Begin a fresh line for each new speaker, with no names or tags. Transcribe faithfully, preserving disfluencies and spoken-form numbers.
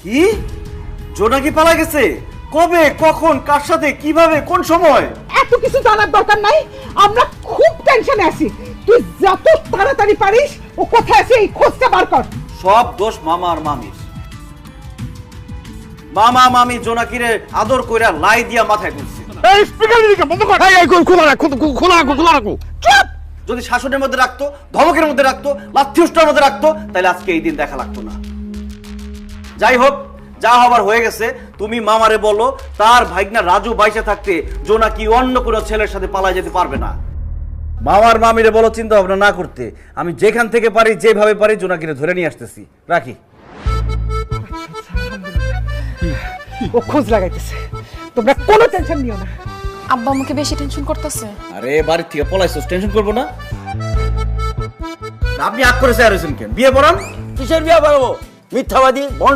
কি জোনাকি পালা গেছে? কবে, কখন, কার সাথে, কিভাবে, কোন সময়?
এত কিছু জানার দরকার নাই, আমরা খুব টেনশনে আছি। তুই যত তাড়াতাড়ি পারিস ও কোথায় আছে এই খোঁজটা বার কর।
সব দোষ মামা আর মামির। মামা মামি জোনাকিরে আদর কইরা লাই দিয়া মাথায় তুলছে।
এই স্পিকার দিকে বন্ধ কর। এই এই খোলা রাখ, খোলা রাখো, খোলা রাখো।
চুপ!
যদি শাসনের মধ্যে রাখতো, ধমকের মধ্যে রাখতো, লাথিউষ্টার মধ্যে রাখতো, তাহলে আজকে এই দিন দেখা লাগতো না। যাই হোক, যা হবার হয়ে গেছে। তুমি মামারে বলো তার ভাইগনা রাজু বাইসে থাকতে জোনাকি অন্য কোনো ছেলের সাথে পালায় যেতে পারবে না। মামার মামিরে বলো চিন্তা ভাবনা না করতে। আমি যেখান থেকে পারি, যেভাবে পারি জোনাকিরে ধরে নিয়ে আসতেছি। রাখি।
ও খোঁজ লাগাইতেছে, তোমরা কোনো টেনশন নিও না।
আব্বা আমাকে বেশি টেনশন করতেছে।
আরে বাড়ির থেকে পলাইছস, টেনশন করবো না? আপনি আগ করেছে আর কেন? বিয়ে পড়ান।
কিসের বিয়া বাড়াবো? মিথ্যাবাদী